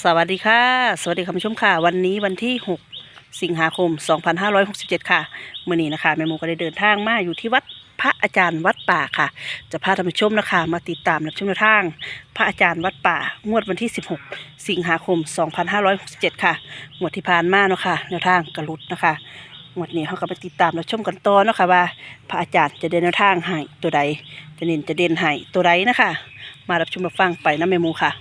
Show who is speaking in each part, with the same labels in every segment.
Speaker 1: สวัสดีค่ะสวัสดีคุณผู้ชมค่ะวันนี้วันที่6สิงหาคม2567ค่ะมื้อนี้นะคะแม่หมูก็ได้เดินทางมาอยู่ที่วัดพระอาจารย์วัดป่าค่ะจะพาท่านผู้ชมนะคะมาติดตามรับชมแนวทางพระอาจารย์วัดป่างวดวันที่16สิงหาคม2567ค่ะงวดที่ผ่านมาเนาะค่ะแนวทางกระลุดนะคะงวดนี้เขาก็ไปติดตามรับชมกันต่อเนาะค่ะว่าพระอาจารย์จะเดินแนวทางให้ตัวใดจะเด่นให้ตัวใดนะคะมารับชมรับฟังไปนะแม่หมูค่ะ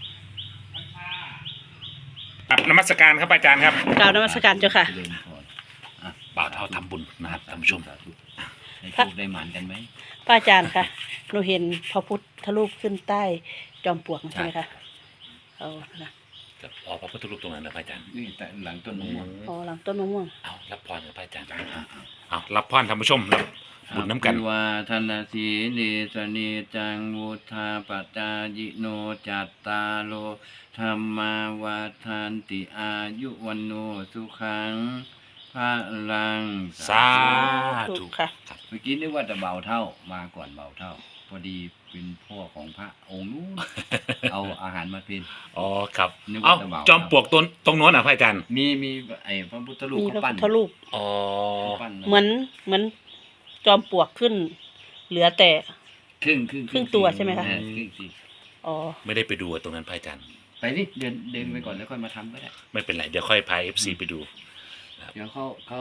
Speaker 2: ครับนมัสการครับอาจารย์ครับ
Speaker 1: กล่าวนมัสการเจ้าค่ะ
Speaker 3: เจริญพรอ่ะ
Speaker 2: บ่าวเท่าทำบุญนะครับท่านผู้ชม
Speaker 3: สาธุให้โชคได้หมานกันไหม
Speaker 1: พระอาจารย์ค่ะหนูเห็นพระพุทธรูปขึ้นใต้จอมปลวกใช่ไหมคะเอานะ
Speaker 2: กับออกพระพุทธรูปตรงนั้นนะพระอาจารย์
Speaker 3: นี่แต่หลังต้นมะม่วง
Speaker 1: อ๋อหลังต้นมะม่วง
Speaker 2: เอารับพรกับพระอาจารย์เอารับพรท่านผู้ชมรับบุญน้ำกัน
Speaker 3: อภิวาทนาสีเลสเนจังวุธาปจายิโนจัตตาโลธรรมาวาทานติอายุวันโนสุขังพระลัง
Speaker 2: สา ธุ
Speaker 1: ถูกค่ะ
Speaker 3: เมื่อกี้นึกว่าจะเบาเท่ามาก่อนเบาเท่า พอดีเป็นพ่อของพระองค์นู้น เอาอาหารมาเป็น
Speaker 2: อ๋อครับ
Speaker 3: นึก
Speaker 2: เอา
Speaker 3: ว่าจะบ่าว
Speaker 2: จอมปลวกตรงโน้นนะพระอาจารย์
Speaker 3: มีไอ้พระพุทธรูป
Speaker 1: มีพ
Speaker 3: เขา
Speaker 1: ระ
Speaker 3: ปั้
Speaker 1: พุ
Speaker 3: น
Speaker 1: ทธรูป
Speaker 2: อ๋อ
Speaker 3: เขาปั้น
Speaker 1: เหมือนจอมปลวกขึ้น เหลือแต่
Speaker 3: ครึ่ง
Speaker 1: ครึ่งตัวใช่ไหมคะ
Speaker 3: ครึ่งสิ
Speaker 1: อ๋อ
Speaker 2: ไม่ได้ไปดูตรงนั้นพระอาจารย์
Speaker 3: ไปดิเดินไปก่อนแล้วค่อยมาทำก็ได้
Speaker 2: ไม่เป็นไรเดี๋ยวค่อยพาFC ไปดู
Speaker 3: เดี๋ยวเขาเขา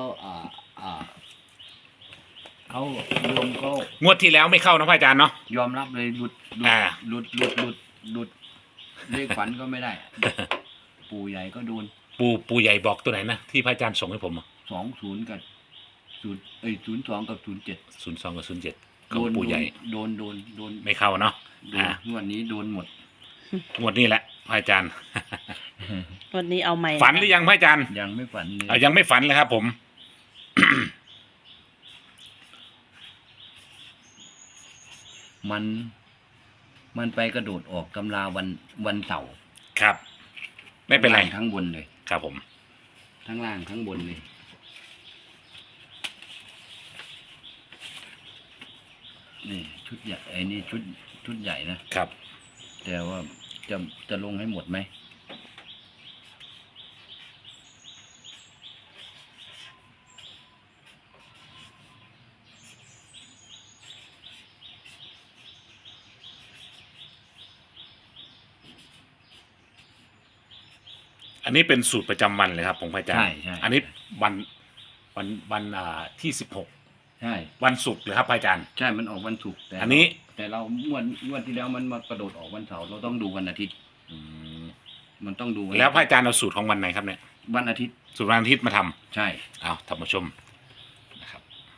Speaker 3: รวมเขา
Speaker 2: งวดที่แล้วไม่เข้านะพระอาจารย์เนาะ
Speaker 3: ยอมรับเลยหลุด
Speaker 2: อ่า
Speaker 3: หลุดเลขฝันก็ไม่ได้ ปู่ใหญ่ก็โดน
Speaker 2: ปู่ใหญ่บอกตัวไหนนะที่พระอาจารย์ส่งให้ผม
Speaker 3: 20กับ02กับ07
Speaker 2: 02กับ07ข
Speaker 3: โด
Speaker 2: อง
Speaker 3: น
Speaker 2: ปู่ใหญ่
Speaker 3: โดน
Speaker 2: ไม่เข้าเนาะ
Speaker 3: โดนงวดนี้โดนหมด
Speaker 2: งวดนี้แหละพระอาจารย์
Speaker 1: วันนี้เอาใหม่
Speaker 2: ฝันหรือยังพระอาจารย์
Speaker 3: ยังไม่ฝันเลย
Speaker 2: ยังไม่ฝันเลยครับผม
Speaker 3: มันไปกระโดดออกตำราวันเสาร์
Speaker 2: ครับ ไม่เป็นไร
Speaker 3: ทั้งบนเลย
Speaker 2: ครับผม
Speaker 3: ทั้งล่างทั้งบนเลยนี่ชุดใหญ่ไอ้นี่ชุดใหญ่นะครับ แต่ว่าจะลงให้หมดไหม
Speaker 2: อันนี้เป็นสูตรประจำวันเลยครับผมพระอาจารย์
Speaker 3: ใช่
Speaker 2: อันนี้วันที่16
Speaker 3: ใช่
Speaker 2: วันศุกร์เลยครับพระอาจารย์
Speaker 3: ใช่มันออกวันศุกร์แต่
Speaker 2: อันนี้
Speaker 3: แต่เรางวดที่แล้วมันมากระโดดออกวันเสาร์เราต้องดูวันอาทิตย์
Speaker 2: อืม
Speaker 3: มันต้องดู
Speaker 2: แล้วพระอาจารย์เอาสูตรของวันไหนครับเนี่ย
Speaker 3: วันอาทิตย์
Speaker 2: สูตรวันอาทิตย์มาทำ
Speaker 3: ใช่
Speaker 2: เอาท่านผู้ชมนะครับ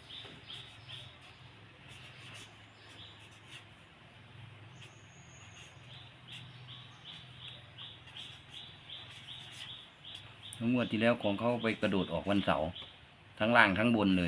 Speaker 3: ทั้งงวดที่แล้วของเขาไปกระโดดออกวันเสาร์ทั้งล่างทั้งบนเลย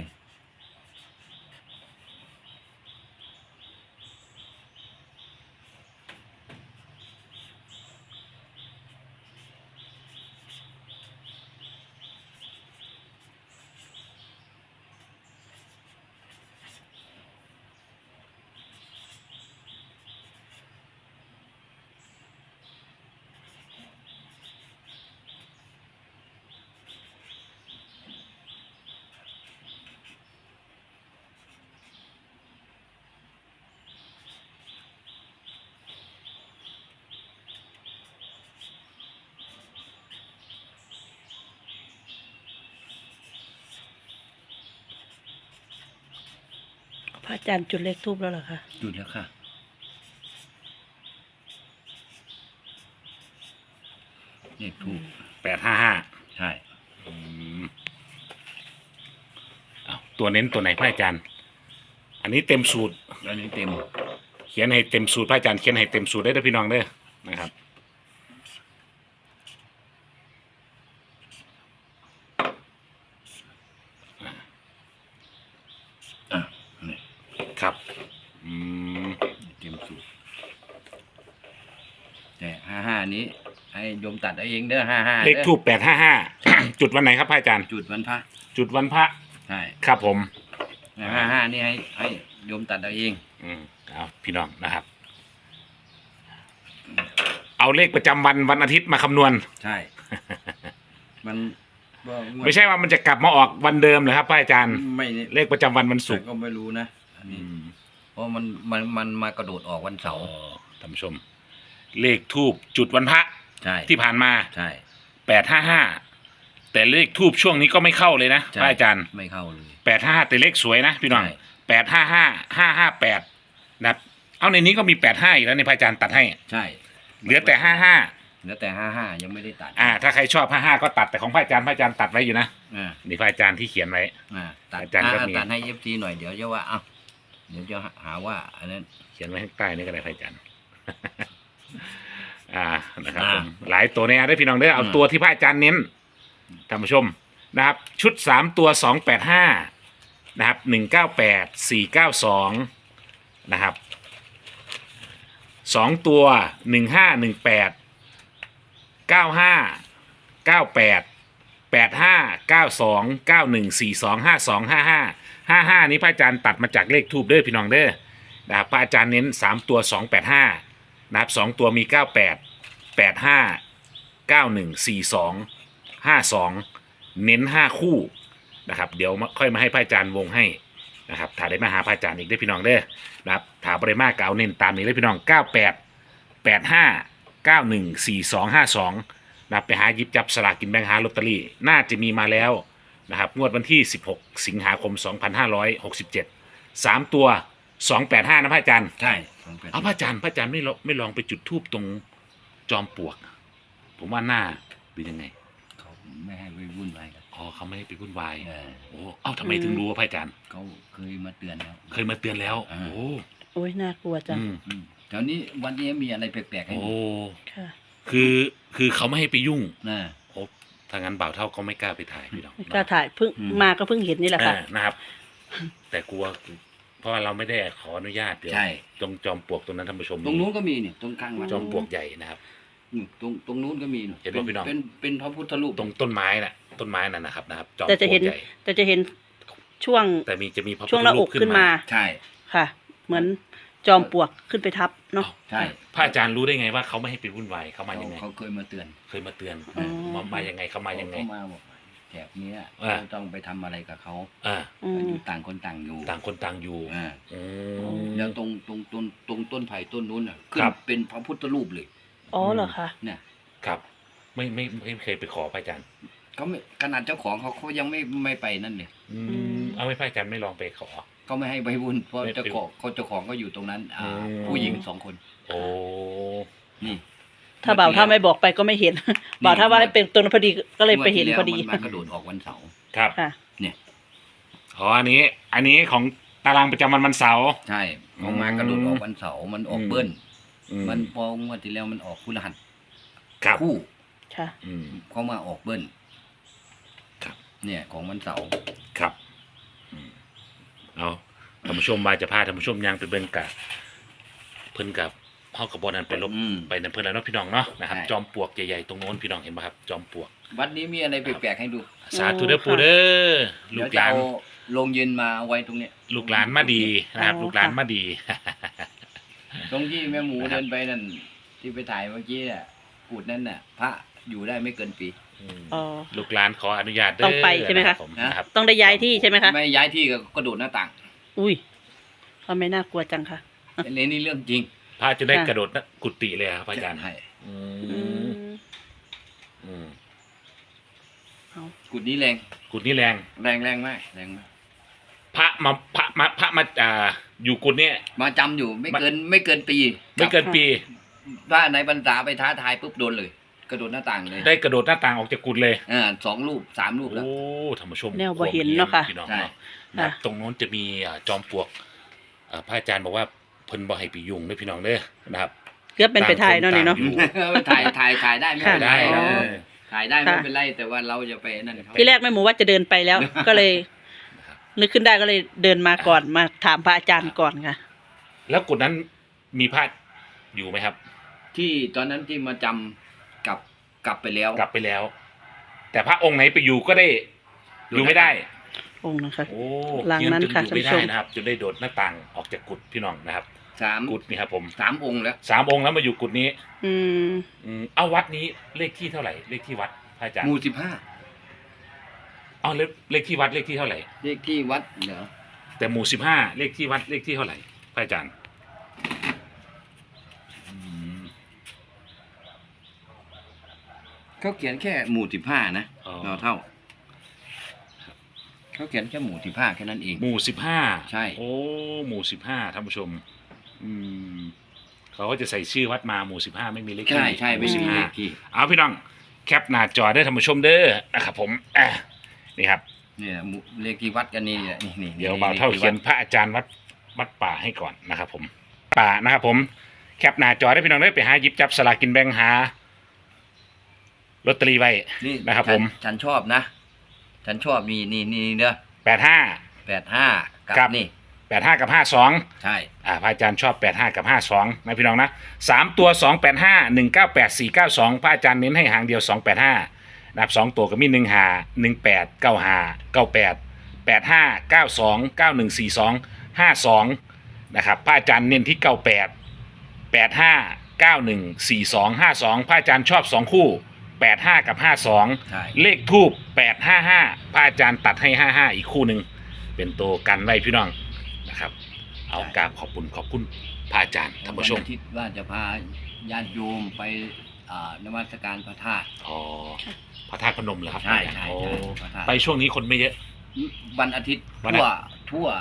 Speaker 1: พระอาจารย์จุดเลขทูบแล้วเหรอคะ
Speaker 3: หยุดแล้วค่ะเลขถูก
Speaker 2: 855
Speaker 3: ใช่
Speaker 2: เอาตัวเน้นตัวไหนพระอาจารย์ อันนี้เต็มสูตร
Speaker 3: แล้วนี้เต็ม
Speaker 2: เขียนให้เต็มสูตรพระอาจารย์เขียนให้เต็มสูตรได้ด้วยพี่น้องเด้อนะครับ
Speaker 3: อ่ะนี่
Speaker 2: ครับอืม
Speaker 3: เต็มสูตรแต่55นี้ให้โยมตัดเอาเองเด้อ55
Speaker 2: เลขทูป855 จุดวันไหนครับพระอาจารย์
Speaker 3: จุดวันพระ
Speaker 2: จุดวันพระ
Speaker 3: ใช่
Speaker 2: ครับผม
Speaker 3: 55นี่ให้โยมตัดเอาเอง
Speaker 2: เอาพี่น้องนะครับ เอาเอาเลขประจำวันอาทิตย์มาคำนวณ
Speaker 3: ใช่ มันว่า
Speaker 2: ไม่ใช่ว่ามันจะกลับมาออกวันเดิมเลยครับพระอาจารย์
Speaker 3: ไม่นี่
Speaker 2: เลขประจำวันศุกร์
Speaker 3: แต่ก็ไม่รู้นะอันนี้เพราะมันมากระโดดออกวันเสาร์
Speaker 2: ท่านผู้ชม เลขทูบจุดวันพระ
Speaker 3: ใช่
Speaker 2: ที่ผ่านมา
Speaker 3: ใช่
Speaker 2: 855แต่เลขทูบช่วงนี้ก็ไม่เข้าเลยนะ
Speaker 3: ใช่
Speaker 2: พระอาจารย์
Speaker 3: ไม่เข้าเลย
Speaker 2: 855แต่เลขสวยนะพี่น้อง
Speaker 3: ใช่
Speaker 2: 855558นะครับเอาในนี้ก็มี85อีกแล้วในพระอาจารย์ตัดให้
Speaker 3: ใช่
Speaker 2: เหลือแต่55
Speaker 3: เหลือแต่55ยังไม่ได้ตัด
Speaker 2: ถ้าใครชอบ55ก็ตัดแต่ของพระอาจารย์ตัดไว้อยู่นะ
Speaker 3: อ่า
Speaker 2: นี่พระอาจารย์ที่เขียนไว้
Speaker 3: ตัด
Speaker 2: อาจารย์ก็มี
Speaker 3: ตัดให้ FT หน่อยเดี๋ยวจะว่าเอ้าเดี๋ยวจะหาว่าอันนั้น
Speaker 2: เขียนไว้ข้างใต้นี่ก็ได้พระอาจารย์ นะครับ
Speaker 3: อ่า
Speaker 2: ผมหลายตัวเนี่ยได้พี่น้องได้อเอา
Speaker 3: อืม
Speaker 2: ตัวที่พระอาจารย์เน้นท่านผู้ชมนะครับ ชุด3ตัว285นะครับ198 492นะครับ2ตัว1518 95 98 85 92 91 42 52 55 55นี้พระอาจารย์ตัดมาจากเลขทูบเด้อพี่น้องเด้อนะครับพระอาจารย์เน้น3ตัว285นะครับ2ตัวมี98 85 91 42 52เน้น5คู่นะครับเดี๋ยวค่อยมาให้พระอาจารย์วงให้นะครับถ้าได้มาหาพระอาจารย์อีกได้อพี่น้องเด้อนะครับถาบริมาเก่าเน้นตามนี้เลยพี่น้อง98 85 91 42 52นะครับไปหาหยิบจับสลากกินแบ่งหาลอตเตอรี่น่าจะมีมาแล้วนะครับงวดวันที่16สิงหาคม2567 3ตัว285นะพระอาจารย์
Speaker 3: ใช่
Speaker 2: เอาพระอาจารย์ไม่ลองไปจุดธูปตรงจอมปลวก ผมว่าหน้าเป็นยังไง
Speaker 3: เขาไม่ให้ไปวุ่นวายกัน
Speaker 2: อ๋อเขาไม่ให้ไปวุ่นวาย
Speaker 3: เออ
Speaker 2: โอ้เอ้าทำไมถึงรู้ว่าพระอาจารย์
Speaker 3: เขาเคยมาเตือนแล้ว
Speaker 2: เคยมาเตือนแล้ว
Speaker 3: อ่า
Speaker 2: โอ้
Speaker 1: โอ้ยน่ากลัวจัง
Speaker 2: อืม
Speaker 3: แถวนี้วันนี้มีอะไรแปลกๆให้
Speaker 2: โอ้
Speaker 3: ดู
Speaker 1: ค่ะ
Speaker 2: คือเขาไม่ให้ไปยุ่ง
Speaker 3: นะ
Speaker 2: โอ้ถ้างั้นบ่าวเท่าก็ไม่กล้าไปถ่ายพี่น้อง
Speaker 1: ไม่กล้าถ่ายเพิ่งมาก็เพิ่งเห็นนี่แหละค่ะ
Speaker 2: นะครับ แต่กลัว เพราะว่าเราไม่ได้ขออนุญาตเดี๋ยว
Speaker 3: ใช่
Speaker 2: ตรงจอมปลวกตรงนั้นท่านผู้ชม
Speaker 3: ตรงนู้นก็มีนี่ตรงกลางวัด
Speaker 2: จอมปลวกใหญ่นะครับ
Speaker 3: ตรงนู้นก็มี
Speaker 2: เห็นป่ะพี่น้อง
Speaker 3: เป็นพระพุทธรูป
Speaker 2: ตรงต้นไม้น่ะนะครับจอมปล
Speaker 1: แต่
Speaker 2: ว
Speaker 1: จะ
Speaker 2: ก
Speaker 1: เห็น
Speaker 2: ใหญ่
Speaker 1: แต่จะเห็นช่วง
Speaker 2: แต่จะมีพระพุท
Speaker 1: ช่วง
Speaker 2: ธ
Speaker 1: หน้า
Speaker 2: รู
Speaker 1: อ
Speaker 2: ป
Speaker 1: กขึ้นมา
Speaker 3: ใช่
Speaker 1: ค่ะ เหมือนจอมปลวกขึ้นไปทับเนาะ
Speaker 3: ใช่
Speaker 2: พระอาจารย์รู้ได้ไงว่าเขาไม่ให้ไปวุ่นวายเขามายังไง
Speaker 3: เขาเคยมาเตือน
Speaker 2: เคยมาเตือน
Speaker 1: อ๋อ
Speaker 2: มายังไงเขามายังไง
Speaker 3: เขามาบอกแถบเนี้ย
Speaker 2: อ่า
Speaker 3: เราต้องไปทำอะไรกับเขา
Speaker 2: อ่า
Speaker 1: อืม
Speaker 3: อยู่ต่างคนต่างอยู่
Speaker 2: ต่างคนต่างอยู่
Speaker 3: อ่า
Speaker 2: อืม
Speaker 3: แล้วตรงต้นไผ่ต้นนู้นอ่ะขึ้
Speaker 2: ครั
Speaker 3: น
Speaker 2: บ
Speaker 3: เป็นพระพุทธรูปเลย
Speaker 1: อ๋อเหรอคะ
Speaker 3: เนี่ย
Speaker 2: ครับไม่เคยไปขอพระอาจารย์
Speaker 3: เขาไม่ขนาดเจ้าของเขายังไม่ไปนั่นเลย
Speaker 2: เอาไม่พระอาจารย์ไม่ลองไปขอ
Speaker 3: เขาไม่ให้ไปวุ่นเพราะ
Speaker 2: ไม่
Speaker 3: เจ้าของก็อยู่ตรงนั้น
Speaker 2: อืม
Speaker 3: ผู้หญิง2 คน
Speaker 2: โอ้
Speaker 3: นี่
Speaker 1: ถ้าบ่าวถ้าไม่บอกไปก็ไม่เห็น บ่าวถ้าว่าให้เป็นตัวนั้นพอดีก็เลยไปเห็นพอดี
Speaker 3: งวที่แล้วมันมากระโดดออกวันเสาร์
Speaker 2: ครับ
Speaker 1: ค่ะ
Speaker 3: เนี่ย
Speaker 2: อ๋ออันนี้ของตารางประจำวันเสาร์
Speaker 3: ใช่เขามากระโดดออกวันเสาร์มันออก
Speaker 2: อืม
Speaker 3: เบิ้ล
Speaker 2: อื
Speaker 3: มันพองวดที่แล้วมันออกคู่รหัส
Speaker 2: ครับ
Speaker 3: คู่
Speaker 1: ค่ะ
Speaker 2: อืม
Speaker 3: เขามาออกเบิ้ล
Speaker 2: ครับ
Speaker 3: เนี่ยของวันเสาร์
Speaker 2: ครับเอาท่านผู้ชมมาจะพาท่านผู้ชมยังไปเบิ่งกะเพิ่นกับเฮากับบอนั้นไปลบ ไปนั่นเพิ่นแล้วเนาะพี่น้องเนาะนะครับ
Speaker 3: ใช่
Speaker 2: จอมปลวกใหญ่ๆตรงโน้นพี่น้องเห็นป่ะครับจอมปลวก
Speaker 3: วัดนี้มีอะไรแปลกๆให้ดู
Speaker 2: สาธุเด้อปู่เด้อลู
Speaker 3: เดี๋ยว
Speaker 2: กห
Speaker 3: จะ
Speaker 2: ลาน
Speaker 3: เอาโรงเย็นมาไว้ตรงเนี้ย
Speaker 2: ลูกหลานมาดีนะครับ
Speaker 1: อ๋อ
Speaker 2: ลูกหลานมาดี
Speaker 3: ตรงที่แม่หมู
Speaker 2: นะครับ
Speaker 3: เดินไปนั่นที่ไปถ่ายเมื่อกี้น่ะกูดนั่นน่ะ พระอยู่ได้ไม่เกินปี
Speaker 1: อ๋อ
Speaker 2: ลูกหลานขออนุญาตเด้อ
Speaker 1: ต้องไปใช่ไหมคะ
Speaker 2: รับผมนะครับ
Speaker 1: ต้องได้ย้ายที่ใช่ไหมคะ
Speaker 3: ไม่ย้ายที่ก็กระโดดหน้าต่าง
Speaker 1: อุ้ยทำไมน่ากลัวจังคะ
Speaker 3: อันนี้นี่เรื่องจริง
Speaker 2: พระจะได้
Speaker 1: ค่ะ
Speaker 2: กระโดดกุฏิเลยครับพระอาจารย์
Speaker 3: ใช่
Speaker 2: อื
Speaker 1: อื
Speaker 2: ม
Speaker 1: ม
Speaker 2: อืม
Speaker 1: เอา
Speaker 3: กุดนี้แรง
Speaker 2: กุฏินี่แรง
Speaker 3: แรงมากแรงมาก
Speaker 2: พระมาอยู่กุฏิเนี่ย
Speaker 3: มาจำอยู่ไม่เกินปี
Speaker 2: ไม่เกินปี
Speaker 3: ถ้าในบรรษาไปท้าทายปุ๊บโดนเลย กระโดดหน้าต่างเลย
Speaker 2: ได้กระโดดหน้าต่างออกจากกุฏิเลย
Speaker 3: 2 รูป 3 รูปแล้ว
Speaker 2: โอ้ท่านผู้ชม
Speaker 1: แนวบ่เห็นเนาะค่ะ
Speaker 2: พี่น้อง
Speaker 3: ใช่
Speaker 2: เนาะนะครับ
Speaker 1: ค่ะ
Speaker 2: ตรงโน้นจะมีจอมปลวกพระอาจารย์บอกว่าเพิ่นบ่ให้ไปยุ่งเด้อพี่น้องเด้อนะครับ
Speaker 1: เกือบเป็นไปถ่ายเนาะนี่เนาะ
Speaker 2: ต่งค
Speaker 3: ถ่ายได้ไม่
Speaker 1: ค่ะ
Speaker 3: เป็นไร
Speaker 2: ได้
Speaker 1: อ๋อ
Speaker 3: ถ่ายได้ไม่
Speaker 1: ค่ะ
Speaker 3: เป็นไรแต่ว่าเราจะไปนั่นเขา
Speaker 1: ที่แรกแม่หมูว่าจะเดินไปแล้ว ก็เลย นึกขึ้นได้ก็เลยเดินมาก่อนมาถามพระอาจารย์ก่อนค่ะ
Speaker 2: แล้วกุฏนั้นมีพระอยู่ไหมครับ
Speaker 3: ที่ตอนนั้นที่มาจำกลับไปแล้ว
Speaker 2: กลับไปแล้ว แต่พระองค์ไหนไปอยู่ก็ได้อยู่ไม่ได้
Speaker 1: องค์นะคะ
Speaker 2: โอ้
Speaker 1: หลังนั้นค่ะ
Speaker 2: ยืจอยู่ไม่ได้
Speaker 1: ท่านผู้ชม
Speaker 2: นะครับจนได้โดดหน้าต่างออกจากกุฏพี่น้องนะครับ
Speaker 3: สาม
Speaker 2: กุฏนี่ครับผม
Speaker 3: 3 องค์แล้ว
Speaker 2: 3 องค์แล้วมาอยู่กุฏนี้
Speaker 1: อืม
Speaker 2: เอาวัดนี้เลขที่เท่าไหร่เลขที่วัดพระอาจารย์
Speaker 3: หมู่
Speaker 2: เอาเลขที่วัดเลขที่เท่าไหร่
Speaker 3: 15เลขที่วัดเหรอ
Speaker 2: แต่หมู่15เลขที่วัดเลขที่เท่าไหร่พระอาจารย์
Speaker 3: เขาเขียนแค่หมู่15นะ
Speaker 2: อ๋อ
Speaker 3: เราเท่าเขาเขียนแค่หมู่15แค่นั้นเอง
Speaker 2: หมู่15
Speaker 3: ใช่
Speaker 2: โอ้หมู่15ท่านผู้ชม เขาก็จะใส่ชื่อวัดมาหมู่15ไม่มีเลขที่
Speaker 3: ใช่ไม่มีเลขที่
Speaker 2: เอาพี่น้องแคปหน้าจอได้อท่านผู้ชมเด้อนะครับผมนี่ครับ
Speaker 3: เนี่ยหมู่เลขที่วัดกันนี่แหละนี่
Speaker 2: เดี๋ยวบ่าวเท่าเขียนพระอาจารย์วัดป่าให้ก่อนนะครับผมป่านะครับผมแคปหน้าจอได้พี่น้องได้ไปหาหยิบจับสลากกินแบ่งหาลอตเตอรี่ไว้
Speaker 3: นี่
Speaker 2: นะครับผม
Speaker 3: ฉันชอบนะฉันชอบนี่เด้อ
Speaker 2: 85
Speaker 3: 85
Speaker 2: ครั
Speaker 3: กับ นี่
Speaker 2: 85 กับ 52
Speaker 3: ใช่
Speaker 2: พระอาจารย์ชอบ85กับ52นะพี่น้องนะ3ตัว285 198 492พระอาจารย์เน้นให้หางเดียว285นะครับ2ตัวก็มี1หา18 95 98 85 92 91 42 52นะครับพระอาจารย์เน้นที่98 85 91 42 52พระอาจารย์ชอบ2คู่85กับ52
Speaker 3: ใช่
Speaker 2: เลขทูบ855พระอาจารย์ตัดให้55อีกคู่หนึ่งเป็นตัวกันไว้พี่น้องนะครับเอากราบขอบคุณพระอาจารย์ท่านผู้ชม
Speaker 3: วันอาทิตย์ว่าจะพาญาติโยมไปนมัสการพระธาตุ
Speaker 2: อ๋อพระธาตุพนมเหรอครับ
Speaker 3: ใช่
Speaker 2: โอ้
Speaker 3: พระธาตุ
Speaker 2: ไปช่วงนี้คนไม่เยอะ
Speaker 3: วันอาทิตย์
Speaker 2: วัน
Speaker 3: ทั่ว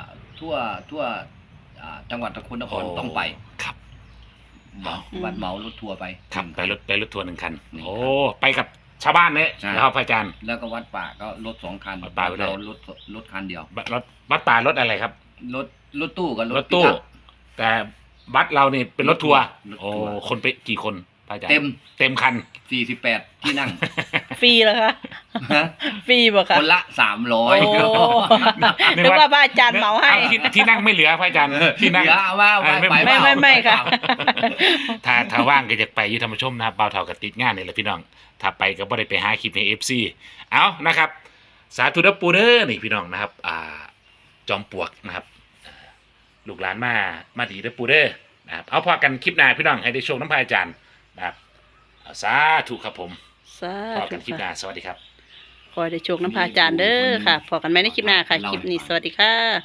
Speaker 3: จังหวัดนครต้องไป
Speaker 2: ครับ
Speaker 3: วันเหมารถทัวร์ไป
Speaker 2: ครับ
Speaker 3: 1
Speaker 2: ไปรถทัวร์1 คัน
Speaker 3: 1
Speaker 2: โอ้ไปกับชาวบ้านเนี่ย
Speaker 3: ใช่
Speaker 2: แล้วพระอาจารย์
Speaker 3: แล้วก็วัดป่าก็รถ2 คัน
Speaker 2: วัดป่าไปด้วย
Speaker 3: เรารถคันเดียว
Speaker 2: วัดป่ารถอะไรครับ
Speaker 3: รถตู้กับ
Speaker 2: รถตู้
Speaker 3: ปิกอัพ
Speaker 2: แต่วัดเรานี่เป็นรถทัวร์
Speaker 3: รถทัวร์
Speaker 2: โอ้คนไปกี่คนพระอาจารย์
Speaker 3: เต็ม
Speaker 2: คัน
Speaker 3: 48 ที่นั่ง
Speaker 1: ฟรีเหรอคะฟรีบ่คะ
Speaker 3: คนละ
Speaker 1: โอ้
Speaker 3: 300
Speaker 1: นึกว่าพระอาจารย์เหมาให้
Speaker 2: ที่นั่งไม่เหลือพระอาจารย์ที่นั่ง
Speaker 3: เดี๋ยวเอาว่า
Speaker 1: ไม่ค่ะ
Speaker 2: ถ้าว่างก็จะไปอยุทธรรมชมนะครับเบาเท่ากับติดงานนี่แหละพี่น้องถ้าไปก็บ่ได้ไปหาคลิปใน FC เอานะครับ สาธุเด้อปูเด้อนี่พี่น้องนะครับจอมปลวกนะครับลูกหลานมาดีเด้อปูเด้อนะครับเอาพอกันคลิปหน้าพี่น้องให้ได้โชคน้ำพระอาจารย์นะครับสาธุครับผม
Speaker 1: สา
Speaker 2: พอ
Speaker 1: ธุ
Speaker 2: กันคลิปห
Speaker 1: ค่ะ
Speaker 2: น้าสวัสดีครับ
Speaker 1: ขอให้ได้โชคน้ำพระอาจารย์เด้อค่ะพอกันไหมในคลิปหน้าค่ะ คลิปนี้สวัสดีค่ะ